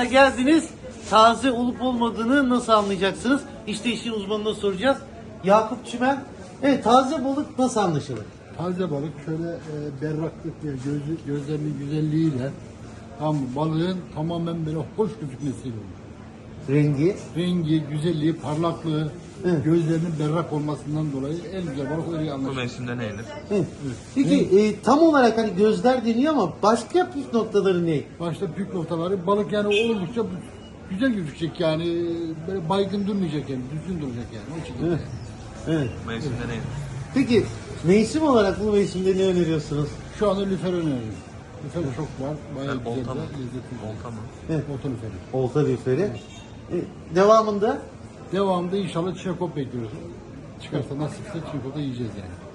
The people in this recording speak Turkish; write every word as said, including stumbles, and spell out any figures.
mekana geldiniz. Taze olup olmadığını nasıl anlayacaksınız? İşte işin uzmanına soracağız. Yakup Çimen. Evet, taze balık nasıl anlaşılır? Taze balık şöyle e, berraklık ve gözü, gözlerinin güzelliğiyle tam balığın tamamen böyle hoş gözükmesiyle olur. Rengi. Rengi, güzelliği, parlaklığı, Evet. gözlerinin berrak olmasından dolayı en güzel balık öyle Bu anlaşılır. mevsimde ne yenir? Evet. Peki e, tam olarak hani gözler deniyor ama başka püf noktaları ne? Başta pük noktaları balık yani oldukça güzel gözükecek yani böyle baygın durmayacak yani düzgün duracak yani o şekilde. Evet. Evet. Bu mevsimde ne yenir? Peki mevsim olarak bu mevsimde ne öneriyorsunuz? Şu anda lüfer öneriyorum. Lüfer çok var. Bayağı Yani güzel olta mı? de lezzetli. Olta mı? Evet. Olta lüferi. Olta lüferi. E, devamında Devamında inşallah çinekop bekliyoruz. Çıkarsa nasipse çinekop'ta yiyeceğiz yani.